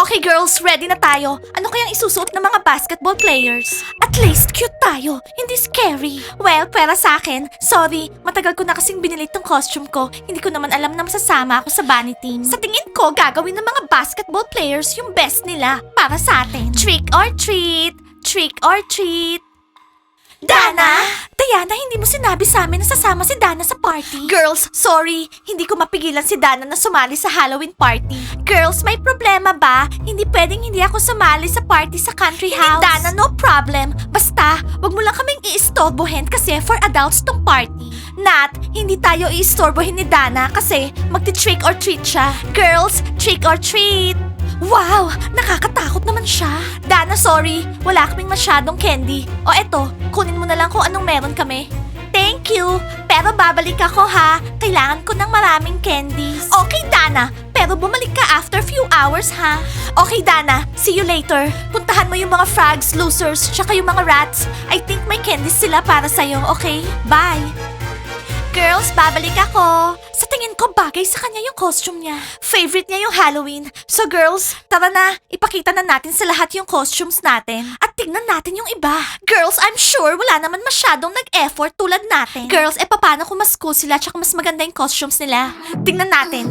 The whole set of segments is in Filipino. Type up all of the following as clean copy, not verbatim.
Okay girls, ready na tayo. Ano kayang isusuot ng mga basketball players? At least cute tayo, hindi scary. Well, para sa akin, sorry, matagal ko na kasing binili tong costume ko. Hindi ko naman alam na masasama ako sa bunny team. Sa tingin ko, gagawin ng mga basketball players yung best nila para sa atin. Trick or treat! Trick or treat! Dana! Diana, hindi mo sinabi sa amin na sasama si Dana sa party. Girls, sorry. Hindi ko mapigilan si Dana na sumali sa Halloween party. Girls, may problema ba? Hindi pwedeng hindi ako sumali sa party sa country house. Dana, no problem. Basta, wag mo lang kaming iistorbohin kasi for adults tong party. Nat, hindi tayo iistorbohin ni Dana kasi magti-trick or treat siya. Girls, trick or treat! Wow! Nakakatakot naman siya. Dana, sorry. Wala kaming masyadong candy. O eto, kunin mo na lang kung anong meron kami. Thank you. Pero babalik ako ha. Kailangan ko ng maraming candies. Okay, Dana. Pero bumalik ka after few hours ha. Okay, Dana. See you later. Puntahan mo yung mga frogs, losers, tsaka yung mga rats. I think may candies sila para sa'yo, okay? Bye. Girls, babalik ako. Sa tingin ko, bagay sa kanya yung costume niya. Favorite niya yung Halloween. So girls, tara na. Ipakita na natin sa lahat yung costumes natin. At tingnan natin yung iba. Girls, I'm sure wala naman masyadong nag-effort tulad natin. Girls, paano kung mas cool sila tsaka mas maganda yung costumes nila? Tingnan natin.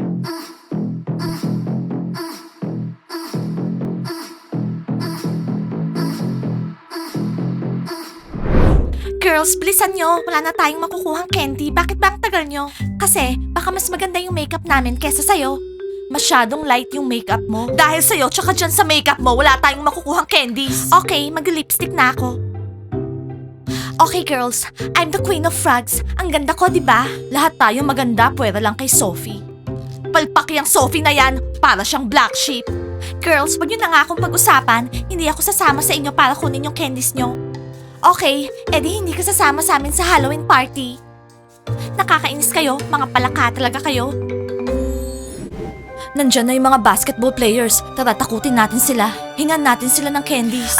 Girls, bilisan nyo. Wala na tayong makukuhang candy. Bakit ba ang tagal nyo? Kasi, baka mas maganda yung makeup namin kesa sa'yo. Masyadong light yung makeup mo. Dahil sa'yo, tsaka dyan sa makeup mo, wala tayong makukuhang candies. Okay, mag-lipstick na ako. Okay, girls. I'm the queen of frogs. Ang ganda ko, di ba? Lahat tayo maganda, pwera lang kay Sophie. Palpak yung Sophie na yan. Para siyang black sheep. Girls, wag nyo na nga akong pag-usapan. Hindi ako sasama sa inyo para kunin yung candies nyo. Okay, edi hindi ka sasama sa amin sa Halloween party. Nakakainis kayo, mga palaka talaga kayo. Nandyan na yung mga basketball players. Tara, takutin natin sila. Hingan natin sila ng candies.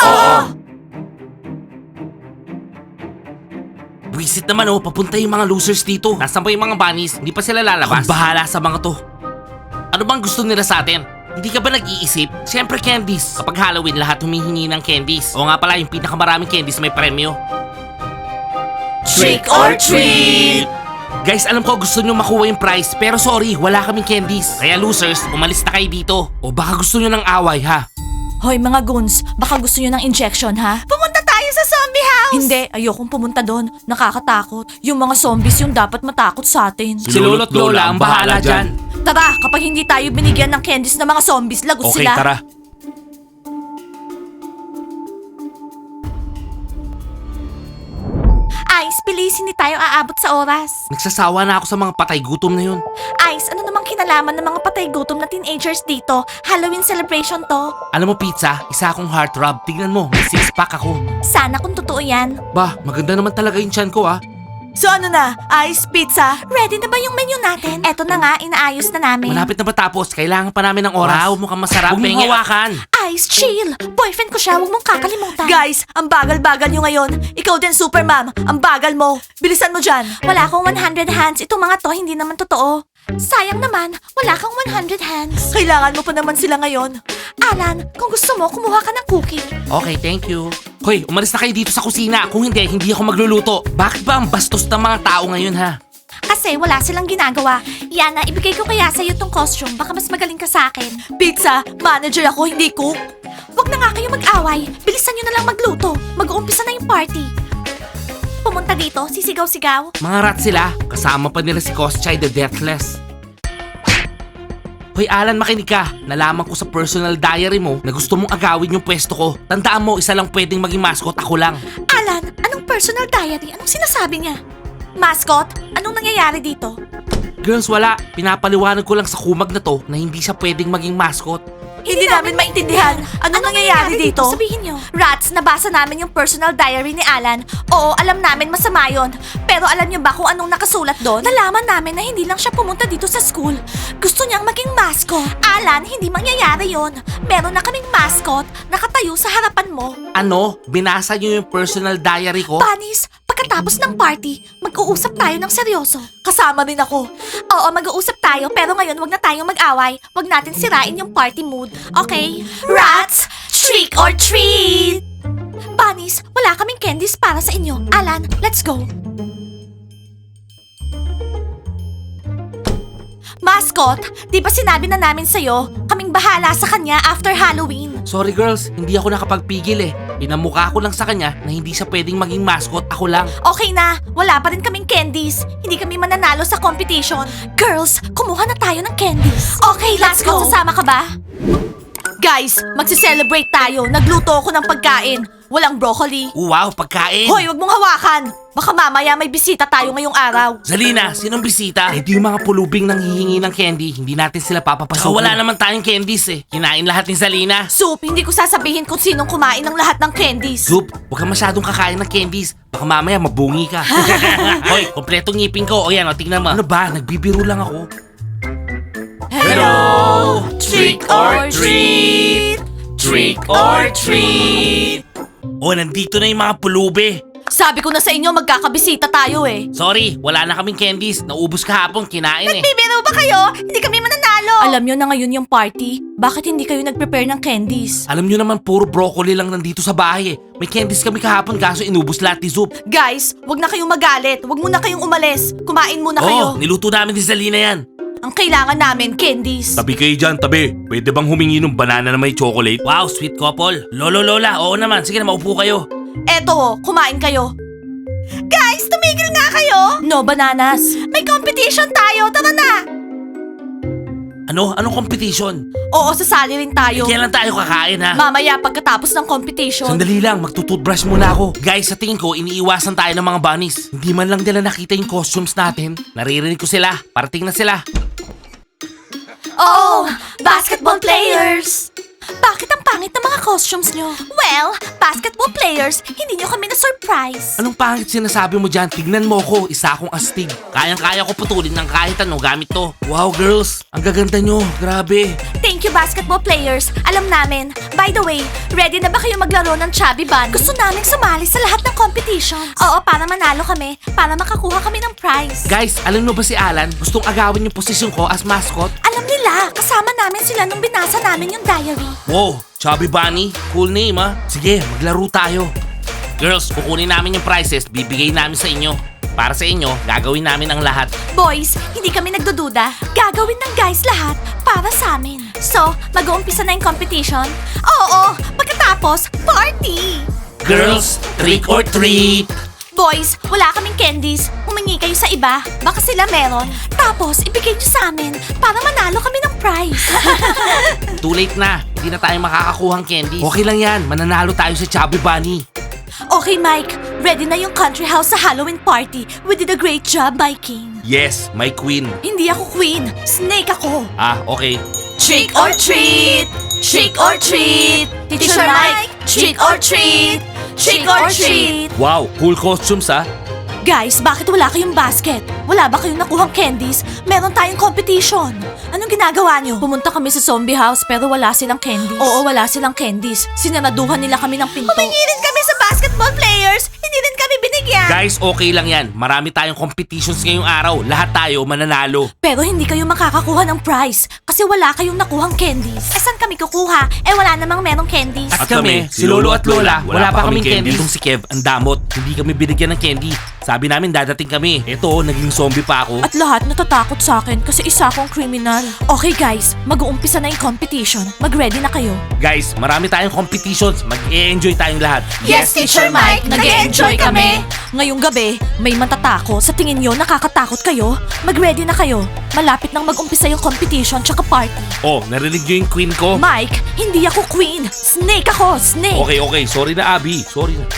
Buisit naman papunta yung mga losers dito. Nasaan pa yung mga bunnies? Hindi pa sila lalabas. Kung bahala sa mga to. Ano bang gusto nila sa atin? Hindi ka ba nag-iisip? Siyempre candies. Kapag Halloween, lahat humihingi ng candies. O nga pala, yung pinakamaraming candies may premyo. Trick or treat! Guys, alam ko gusto nyo makuha yung prize, pero sorry, wala kaming candies. Kaya losers, umalis na kayo dito. O baka gusto nyo ng away, ha? Hoy mga goons, baka gusto nyo ng injection ha? Pumunta tayo sa zombie house! Hindi, ayokong pumunta doon. Nakakatakot. Yung mga zombies yung dapat matakot sa atin. Si Lolo't Lola ang bahala dyan. Tara, kapag hindi tayo binigyan ng candies ng mga zombies, lagot Okay, sila. tara. Ice, bilis, hindi tayo aabot sa oras. Nagsasawa na ako sa mga patay gutom na yun. Ice, ano namang kinalaman ng mga patay gutom na teenagers dito? Halloween celebration to. Alam mo pizza, isa akong heartthrob. Tignan mo, may six-pack ako. Sana kung totoo yan. Bah, maganda naman talaga yung tiyan ko So ano na? Ice, pizza? Ready na ba yung menu natin? Eto na nga, inaayos na namin. Malapit na matapos, kailangan pa namin ng oras. Wow, mukhang masarap. Huwag mong hawakan. Ice, chill! Boyfriend ko siya, huwag mong kakalimutan. Guys, ang bagal-bagal nyo ngayon. Ikaw din, super ma'am. Ang bagal mo. Bilisan mo dyan. Wala akong 100 hands. Itong mga to, hindi naman totoo. Sayang naman, wala kang 100 hands. Kailangan mo pa naman sila ngayon. Alan, kung gusto mo, kumuha ka ng cookie. Okay, thank you. Hoy, umalis na kayo dito sa kusina. Kung hindi, hindi ako magluluto. Bakit ba ang bastos ng mga tao ngayon, ha? Kasi wala silang ginagawa. Yana, ibigay ko kaya sa'yo tong costume. Baka mas magaling ka sa akin. Pizza, manager ako, hindi cook. Huwag na nga kayo mag-away. Bilisan nyo na lang magluto. Mag-uumpisa na yung party. Pumunta dito, sisigaw-sigaw. Mga rat sila. Kasama pa nila si Koschai the Deathless. Hoy Alan, makinig ka. Nalaman ko sa personal diary mo na gusto mong agawin yung pwesto ko. Tandaan mo, isa lang pwedeng maging mascot, ako lang. Alan, anong personal diary? Anong sinasabi niya? Mascot, anong nangyayari dito? Girls, wala. Pinapaliwanag ko lang sa kumag na to na hindi siya pwedeng maging mascot. Hindi namin maintindihan. Anong nangyayari dito? Sabihin nyo. Rats, nabasa namin yung personal diary ni Alan. Oo, alam namin masama yon. Pero alam nyo ba kung anong nakasulat doon? Nalaman namin na hindi lang siya pumunta dito sa school. Gusto niyang maging mascot. Alan, hindi mangyayari yon. Meron na kaming mascot nakatayo sa harapan mo. Ano? Binasa niyo yung personal diary ko? Bunnies, pagkatapos pagkatapos ng party, mag-uusap tayo ng seryoso. Kasama rin ako. Oo, mag-uusap tayo, pero ngayon wag na tayong mag-away. Wag natin sirain yung party mood, okay? Rats, trick or treat! Bunnies, wala kaming candies para sa inyo. Alan, let's go. Mascot, di ba sinabi na namin sa'yo, kaming bahala sa kanya after Halloween? Sorry girls, hindi ako nakapagpigil eh. Pinamukha ko lang sa kanya na hindi siya pwedeng maging mascot, ako lang. Okay na, wala pa rin kaming candies. Hindi kami mananalo sa competition. Girls, kumuha na tayo ng candies. Okay, let's go. Sasama ka ba? Guys, magsi-celebrate tayo. Nagluto ako ng pagkain. Walang broccoli. Wow, pagkain! Hoy, wag mong hawakan. Baka mamaya may bisita tayo ngayong araw. Zalina, sinong bisita? Eh di yung mga pulubing nang hihingi ng candy, hindi natin sila papapasukin. Wala naman tayong candies eh. Kinain lahat ni Zalina. Soup, hindi ko sasabihin kung sinong kumain ng lahat ng candies. Soup, huwag ka masyadong kakain ng candies. Baka mamaya mabungi ka. Hoy, kompletong ngipin ko. O yan, o tingnan mo. Ano ba? Nagbibiro lang ako. Hello! Trick or treat! Trick or treat! O, nandito na yung mga pulubi. Sabi ko na sa inyo, magkakabisita tayo eh. Sorry, wala na kaming candies. Naubos kahapon, kinain eh. Bibiro ba kayo? Hindi kami mananalo. Alam nyo na ngayon yung party. Bakit hindi kayo nag-prepare ng candies? Alam nyo naman, puro broccoli lang nandito sa bahay eh. May candies kami kahapon kaso inubos lahat ni Zoop. Guys, wag na kayong magalit. Wag muna kayong umalis. Kumain muna kayo. Oo, niluto namin ni Zalina yan. Ang kailangan namin, candies. Tabi kayo dyan, tabi. Pwede bang humingi ng banana na may chocolate? Wow, sweet couple. Lolo, lola, oo naman. Sige na, maupo kayo. Eto, kumain kayo. Guys, tumigil nga kayo. No bananas. May competition tayo. Tara na. Ano? Anong competition? Oo, sasali rin tayo. Kailan tayo kakain ha? Mamaya pagkatapos ng competition. Sandali lang, magtututbrush muna ako. Guys, sa tingin ko, iniiwasan tayo ng mga bunnies. Hindi man lang nila nakita yung costumes natin. Naririnig ko sila. Parating na sila. Oh, basketball players! Bakit ang pangit ng mga costumes nyo? Well, basketball players, hindi nyo kami na-surprise. Anong pangit sinasabi mo dyan? Tignan mo ko, isa akong astig. Kayang-kaya ko putulin ng kahit ano gamit to. Wow, girls, ang gaganda nyo. Grabe. Thank you, basketball players. Alam namin. By the way, ready na ba kayo maglaro ng Chubby Bunny? Gusto namin sumali sa lahat ng competitions. Oo, para manalo kami. Para makakuha kami ng prize. Guys, alam mo ba si Alan? Gustong agawin yung posisyon ko as mascot? Alam nila, kasama namin sila nung binasa namin yung diary. Wow, Chubby Bunny. Cool name ha. Sige, maglaro tayo. Girls, kukunin namin yung prizes, bibigay namin sa inyo. Para sa inyo, gagawin namin ang lahat. Boys, hindi kami nagdududa. Gagawin ng guys lahat para sa amin. So, mag-uumpisa na yung competition? Oo, pagkatapos, party! Girls, trick or treat! Boys, wala kaming candies. Humingi kayo sa iba. Baka sila meron. Tapos, ibigay nyo sa amin para manalo kami ng prize. Too late na. Hindi na tayo makakakuhang candy. Okay lang yan. Mananalo tayo sa Chubby Bunny. Okay, Mike. Ready na yung country house sa Halloween party. We did a great job, my king. Yes, my queen. Hindi ako queen. Snake ako. Ah, okay. Trick or treat! Trick or treat! Teacher Mike, trick or treat! Trick or treat! Wow, cool costumes ah. Guys, bakit wala kayong basket? Wala ba kayong nakuhang candies? Meron tayong competition. Anong ginagawa nyo? Pumunta kami sa zombie house pero wala silang candies. Oo, wala silang candies. Sinaraduhan nila kami ng pinto. Humingi rin kami sa basketball players. Hindi rin kami binigyan. Guys, okay lang yan. Marami tayong competitions ngayong araw. Lahat tayo mananalo. Pero hindi kayo makakakuha ng prize kasi wala kayong nakuhang candies. Eh saan kami kukuha? Eh wala namang merong candies. At kami, si Lolo at Lola, wala pa kaming candy. Itong si Kev, ang damot. Hindi kami binigyan ng candy. Sabi namin dadating kami. Eto, naging zombie pa ako. At lahat natatakot sa akin kasi isa akong criminal. Okay guys, mag-uumpisa na yung competition. Mag-ready na kayo. Guys, marami tayong competitions. Mag-e-enjoy tayong lahat. Yes, Teacher Mike! Nag-e-enjoy kami! Ngayong gabi, may mantatako. Sa tingin nyo, nakakatakot kayo? Mag-ready na kayo. Malapit nang mag-umpisa yung competition tsaka party. Oh, narinig nyo yung queen ko? Mike, hindi ako queen. Snake ako, snake. Okay. Sorry na, Abby. Sorry na.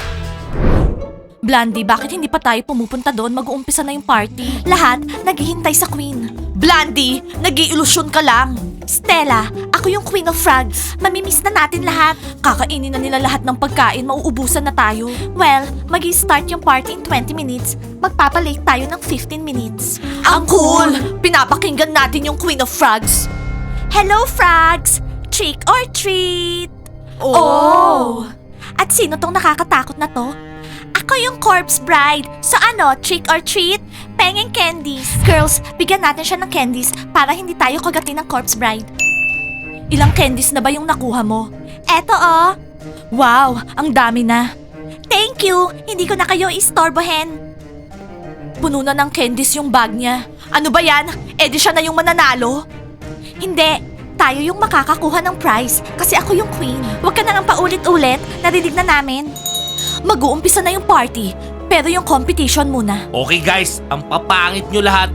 Blandy, bakit hindi pa tayo pumupunta doon? Mag-uumpisa na yung party. Lahat naghihintay sa queen. Blandy, nag-iilusyon ka lang. Stella, ako yung queen of frogs. Mamimiss na natin lahat. Kakainin na nila lahat ng pagkain, mauubusan na tayo. Well, mag-i-start yung party in 20 minutes. Magpapalate tayo ng 15 minutes. Ang cool! Pinapakinggan natin yung queen of frogs. Hello, frogs! Trick or treat! Oh! At sino tong nakakatakot na to? Ako yung corpse bride. So ano, trick or treat? Pengeng candies. Girls, bigyan natin siya ng candies para hindi tayo kagatin ng corpse bride. Ilang candies na ba yung nakuha mo? Eto oh. Wow, ang dami na. Thank you, hindi ko na kayo istorbohin. Puno na ng candies yung bag niya. Ano ba yan? Eh di siya na yung mananalo? Hindi, tayo yung makakakuha ng prize kasi ako yung queen. Huwag ka na nga paulit-ulit, narinig na namin. Mag-uumpisa na yung party, pero yung competition muna. Okay guys, ang papangit nyo lahat.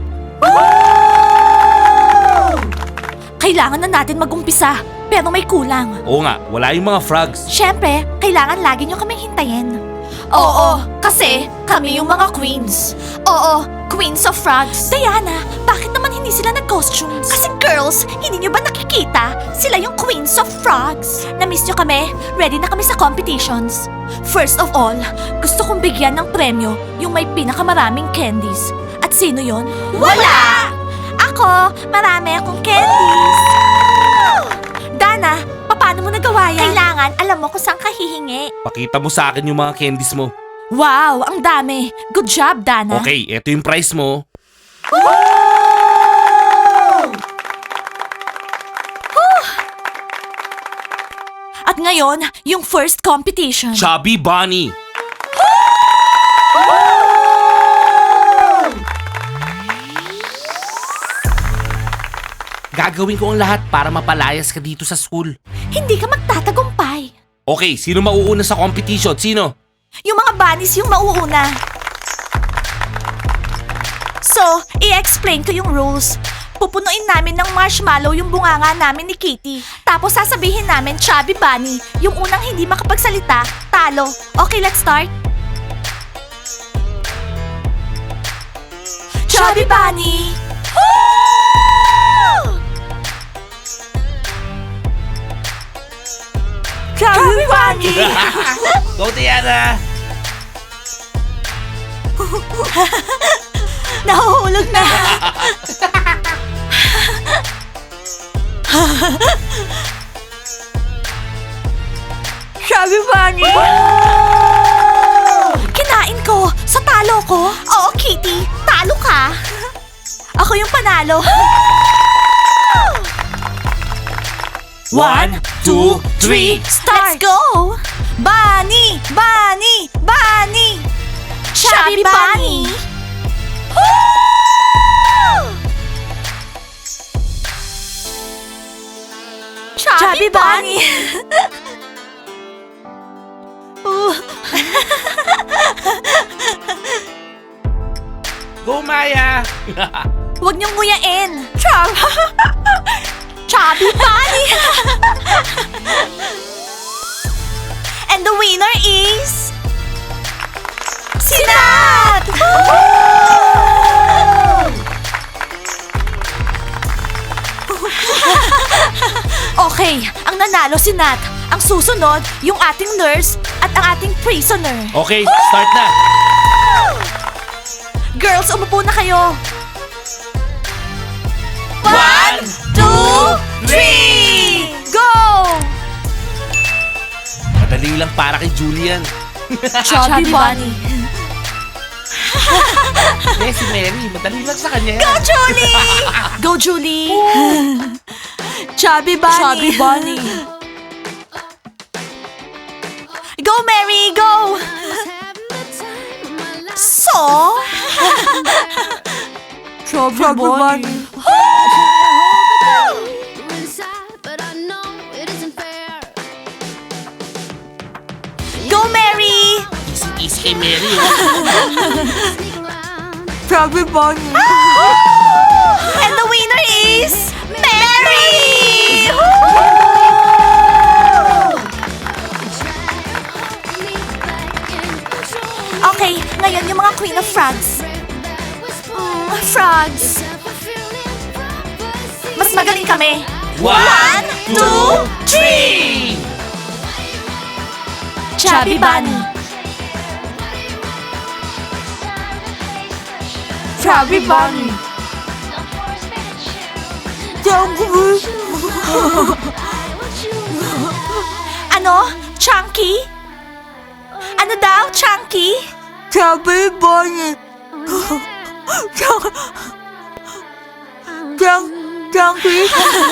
Kailangan na natin mag-umpisa, pero may kulang. Oo nga, wala yung mga frogs. Siyempre, kailangan lagi nyo kaming hintayin. Oo, kasi kami yung mga queens. Oo, Queens of Frogs. Diana, bakit naman hindi sila nag-costumes? Kasi girls, hindi nyo ba nakikita? Sila yung Queens of Frogs. Na-miss nyo kami? Ready na kami sa competitions. First of all, gusto kong bigyan ng premyo yung may pinakamaraming candies. At sino yon? Wala! Ako, marami akong candies. Dana, paano mo nagawa yan? Kailangan alam mo kung saan ka hihingi. Pakita mo sa akin yung mga candies mo. Wow, ang dami. Good job, Dana. Okay, eto yung prize mo. At ngayon, yung first competition. Chubby Bunny. Gagawin ko ang lahat para mapalayas ka dito sa school. Hindi ka magtatagumpay. Okay, sino mauuna sa competition? Sino? Yung mga bunnies yung mauuna. So, i-explain ko yung rules. Pupunuin namin ng marshmallow yung bunganga namin ni Kitty. Tapos sasabihin namin, Chubby Bunny, yung unang hindi makapagsalita, talo. Okay, let's start. Chubby Bunny! Chubby Bunny! Go, Diana! Nahuhulog na! Chubby Bunny! Kinain ko! Sa talo ko! Oo, Kitty! Talo ka! Ako yung panalo! 1, 2, 3, start! Let's go! Bunny! Bunny! Bunny! Chubby Bunny! Chubby Bunny! Go, Maya! Huwag niyong nguyain! Chubby Bunny! And the winner is... Sinat! Okay, ang nanalo si Nat. Ang susunod, yung ating nurse at ang ating prisoner. Okay, start na! Girls, umupo na kayo. 1, 2, 3, go! Madali lang para kay Julian. Chubby Bunny. Eh, si Mary, madali lang sa kanya. Go, Julie! Go, Julie! Chubby Bunny. Chubby Bunny. Go, Mary, go! So? Chubby Bunny. Go, Mary! Easy kay Mary. Chubby Bunny. And the winner is... Mary! Okay, ngayon yung mga Queen of Frogs. Frogs. Mas magaling kami. 1, 2, 3! Chubby Bunny. Chubby Bunny. Ano? Chunky? Ano daw, Chunky? Chubby Bunny. Chunky.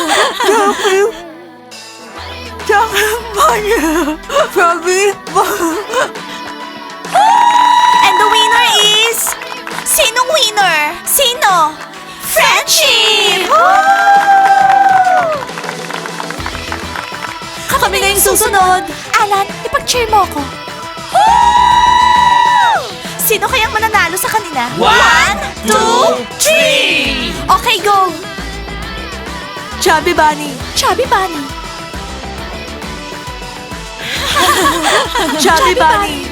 Chubby Bunny. Chubby Bunny. And the winner is... Sinong winner? Sino? Friendship! Kami na yung susunod. Alan, ipag-cheer mo ko. Sino kayang mananalo sa kanila? 1, 2, 3! Okay, go! Chubby Bunny. Chubby Bunny. Chubby Bunny.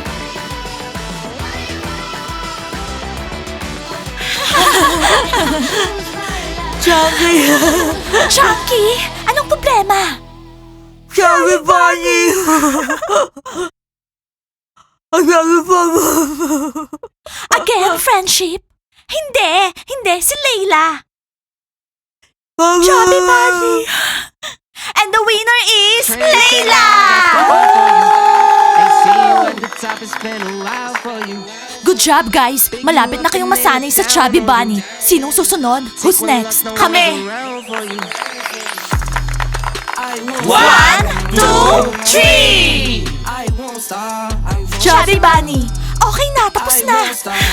Chubby. Chunky, anong problema? Chubby Bunny. Chubby Bunny. Again, friendship? Hindi, si Layla. Chubby Bunny. And the winner is Layla! Good job, guys. Malapit na kayong masanay sa Chubby Bunny. Sinong susunod? Who's next? Kami! 1, 2, 3! Chubby Bunny. Okay na, tapos na.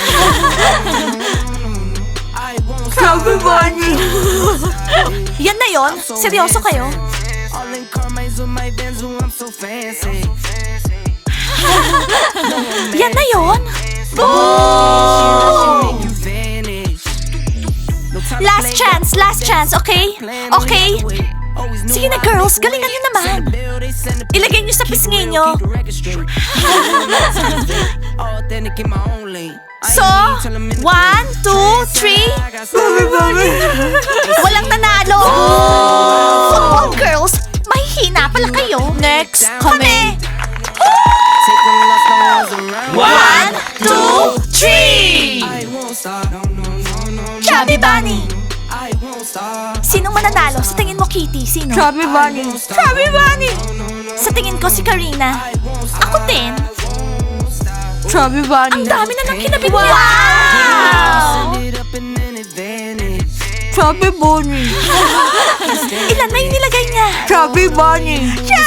Chubby Bunny. Yan na yon. Seryoso kayo? Yan na yon. Last chance, okay? Okay? Sige na, girls, galingan nyo naman. Ilagay nyo sa pisngi nyo. So, 1, 2, 3. Walang nanalo. Football girls, mahihina pala kayo. Next, kami. 1, 2, 3. Chubby Bunny. Sinong mananalo? Sa tingin mo, Kitty? Sino? Chubby Bunny. Chubby Bunny. Sa tingin ko, si Karina. Ako din. Chubby Bunny. Ang dami na ng kinabit niya. Wow! Chubby Bunny. Ilan na yung nilagay niya? Chubby Bunny.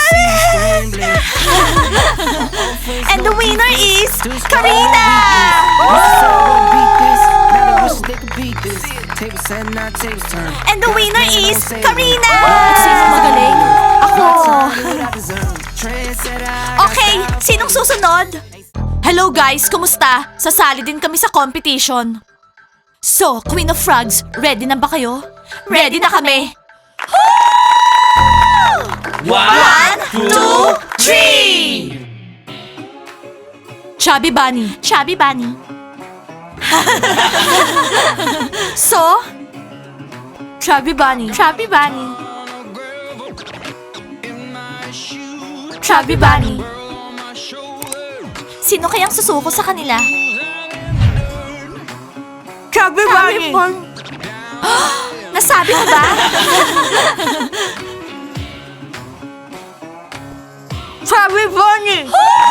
And the winner is Karina! And the winner is Karina! Sino magaling? Ako. Okay, sinong susunod? Hello guys, kumusta? Sasali din kami sa competition. So, Queen of Frogs, ready na ba kayo? Ready na kami! 1, 2, 3! Chubby Bunny. Chubby Bunny. So? Chubby Bunny. Chubby Bunny. Chubby Bunny. Sino kayang susuko sa kanila? Chubby Bunny. Nasabi ko ba? Chubby Bunny.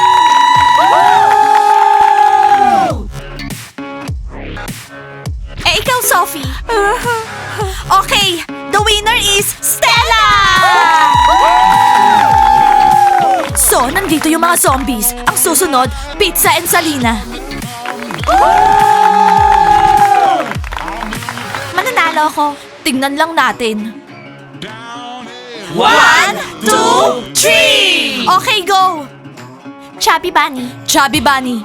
Eh, ikaw, Sophie. Okay, the winner is Stella! So, nandito yung mga zombies. Ang susunod, Pizza and Salina. Mananalo ako. Tingnan lang natin. 1, 2, 3! Okay, go! Chubby Bunny. Chubby Bunny.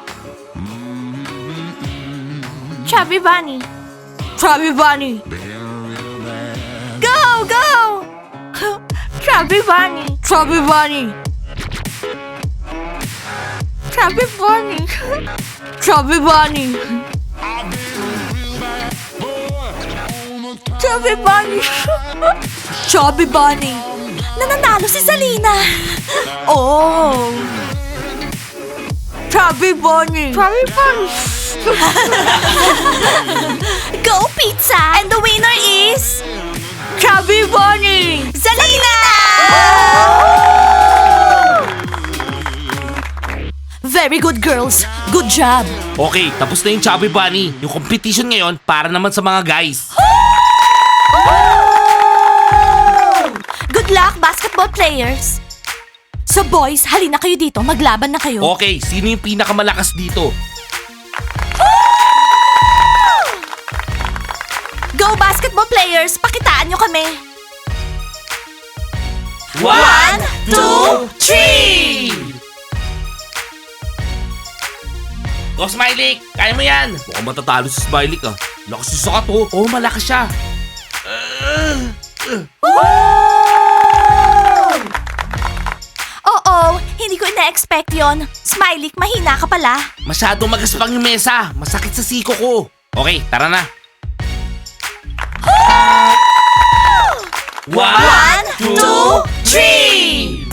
Chubby Bunny. Chubby Bunny. Go, go! Chubby Bunny. Chubby Bunny. Chubby Bunny. Chubby Bunny. Chubby Bunny. Chubby Bunny. Nananalo si Salina. Oh. Chubby Bunny. Chubby Bunny. Go, Pizza! And the winner is... Chubby Bunny. Salina! Very good, girls. Good job. Okay, tapos na yung Chubby Bunny. Yung competition ngayon para naman sa mga guys. Good luck, basketball players! So boys, halina kayo dito. Maglaban na kayo. Okay, sino yung pinakamalakas dito? Go, basketball players! Pakitaan nyo kami. 1, 2, 3! Go, Smiley! Kaya mo yan! Mukhang matatalo si Smiley ah. Lakas yung sakat oh. Oo, malakas siya. Oo, hindi ko ina-expect yon. Smiley, mahina ka pala. Masyadong magaspang yung mesa. Masakit sa siko ko. Okay, tara na. 1, 2, 3!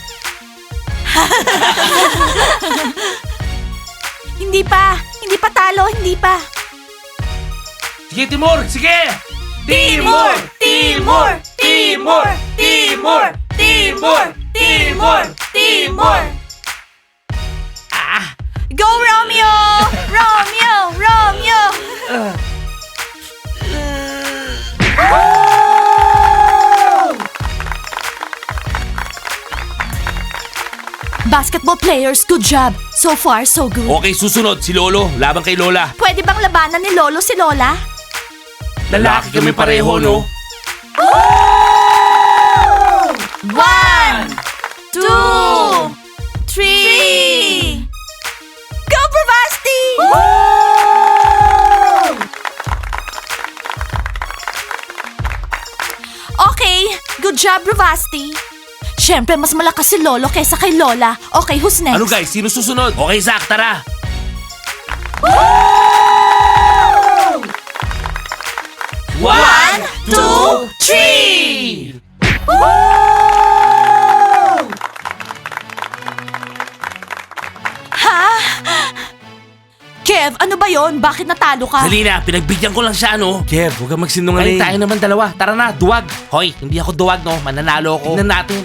Hindi pa talo, hindi pa. Sige, Timur! Sige! Timur! Timur! Timur! Timur! Timur! Timur! Timur! Ah! Go, Romeo! Romeo! Romeo! Basketball players, good job. So far, so good. Okay, susunod. Si Lolo. Laban kay Lola. Pwede bang labanan ni Lolo si Lola? Lalaki kami pareho, no? 1, 2, 3! Go, Bravasti! Okay, good job, Bravasti. Siyempre, mas malakas si Lolo kaysa kay Lola. Okay, who's next? Ano guys? Sino susunod? Okay, Zach, tara. 1, 2, 3! Ha? Kev, ano ba yon? Bakit natalo ka? Dali na, pinagbigyan ko lang siya, no? Kev, huwag kang magsinungaling. Ay, tayo naman dalawa. Tara na, duwag. Hoy, hindi ako duwag, no? Mananalo ako. Tingnan natin.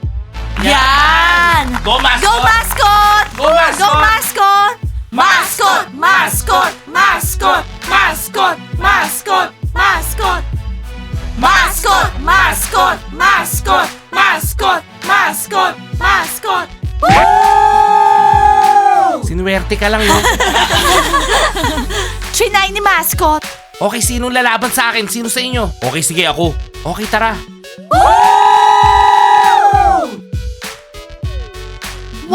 Yan! Go, mascot! Go, mascot! Go, mascot! Go, mascot! Mascot! Mascot! Mascot! Mascot! Mascot! Mascot! Mascot! Mascot! Mascot! Mascot! Mascot! Mascot! Sinuwerte ka lang, no? Trinay ni mascot. Okay, sinong lalaban sa akin? Sino sa inyo? Okay, sige, ako. Okay, tara. 1, 2,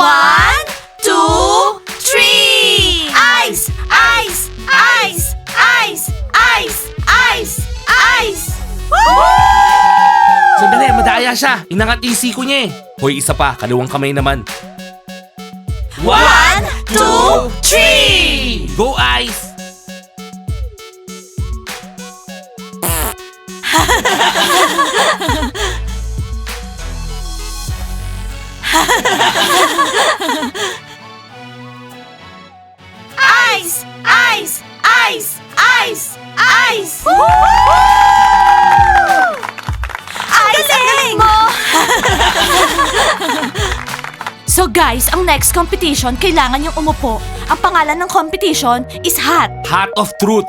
3! Ice! Ice! Ice! Ice! Ice! Ice! Ice! Sandali, madaya siya. Inangat yung siko niya eh. Hoy, isa pa. Kaliwang kamay naman. 1, 2, 3! Go, Ice! Ice! Ice! Ice! Ice! Ice! Ice! Ang galing mo! So guys, ang next competition, kailangan yung umupo. Ang pangalan ng competition is Hat. Hat of Truth.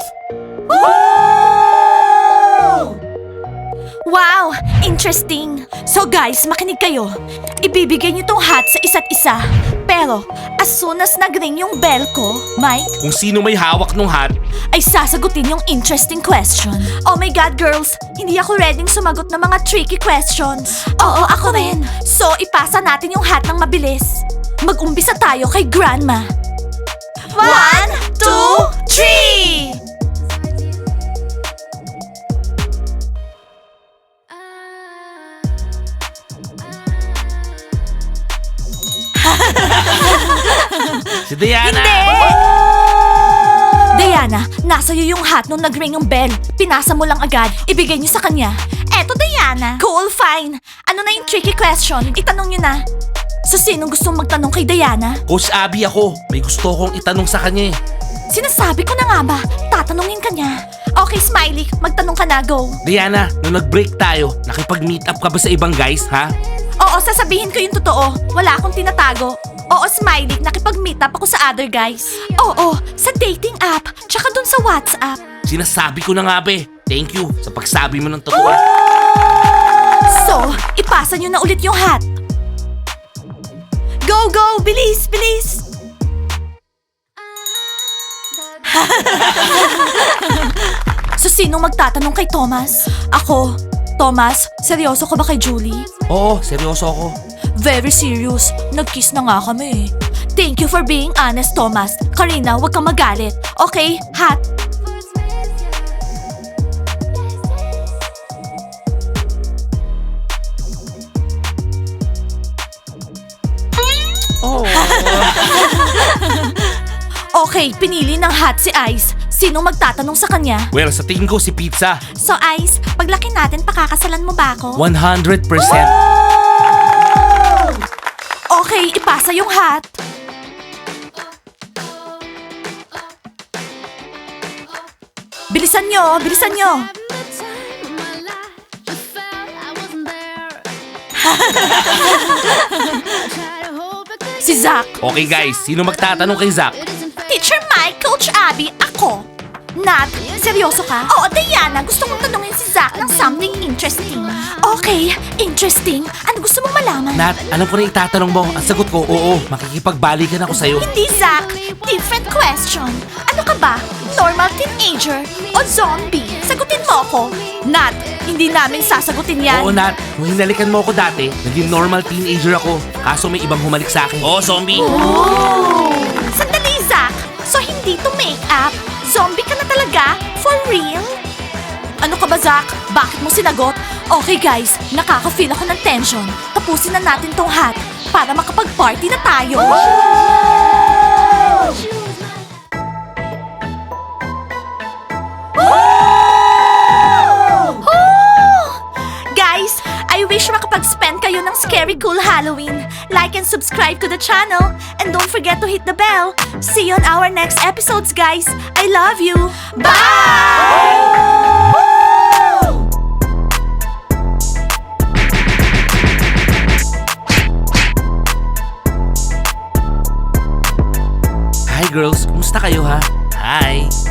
Wow! Interesting! So guys, makinig kayo. Ibibigay niyo tong hat sa isa't isa. Pero, as soon as nag-ring yung bell ko, Mike, Kung sino may hawak ng hat, ay sasagutin yung interesting question. Oh my God, girls! Hindi ako ready sumagot ng mga tricky questions. Oo, ako rin. So, ipasa natin yung hat ng mabilis. Mag-umpisa tayo kay Grandma. 1, 2, 3! si Diana. Hindi! Diana, nasa iyo yung hat nung nag-ring yung bell. Pinasa mo lang agad. Ibigay niyo sa kanya. Eto, Diana. Cool, fine. Ano na yung tricky question? Itanong niyo na. So, sinong gustong magtanong kay Diana? Coach Abby ako. May gusto kong itanong sa kanya eh. Sinasabi ko na nga ba? Tatanungin ka niya. Okay, Smiley. Magtanong ka na. Go. Diana, nung nag-break tayo, nakipag-meet up ka ba sa ibang guys, ha? Oo, sasabihin ko yung totoo. Wala akong tinatago. Oo, Smiley, nakipag-meet up ako sa other guys. Oo, sa dating app, tsaka dun sa WhatsApp. Sinasabi ko na nga be. Thank you sa pagsabi mo ng totoo. So, ipasa nyo na ulit yung hat. Go, go! Bilis, bilis! So, sinong magtatanong kay Thomas? Ako. Thomas, seryoso ka ba kay Julie? Oo, seryoso ako. Very serious. Nag-kiss na nga kami. Thank you for being honest, Thomas. Karina, huwag kang magalit. Okay, hat. Oh. Okay, pinili ng hat si Ice. Sinong magtatanong sa kanya? Well, sa tingin ko si Pizza. So Ice, paglaki natin, pakakasalan mo ba ako? 100%. Okay, ipasa yung hat. Bilisan nyo, bilisan nyo. Si Zach. Okay guys, sino magtatanong kay Zach? Teacher Mike, Coach Abby, ako. Nat, seryoso ka? Oo, Diana, gusto mong tanungin si Zach ng something interesting. Okay, interesting. Ano gusto mong malaman? Nat, alam ko na itatanong mo. Ang sagot ko, oo, makikipagbalikan ako sa'yo. Hindi, Zach. Different question. Ano ka ba? Normal teenager o zombie? Sagutin mo ako. Nat, hindi namin sasagutin yan. Oo, Nat. Nung hinalikan mo ako dati, naging normal teenager ako. Kaso may ibang humalik sa akin. Oo, zombie. Sandali, Zach. So, hindi to make up? Zombie ka na talaga? For real? Ano ka ba, Zach? Bakit mo sinagot? Okay, guys. Nakaka-feel ako ng tension. Tapusin na natin tong hat para makapag-party na tayo. Guys, I wish makapag-spend kayo ng scary cool Halloween. Like and subscribe to the channel. And don't forget to hit the bell. See you on our next episodes, guys. I love you. Bye! Hi girls, kumusta kayo ha? Hi.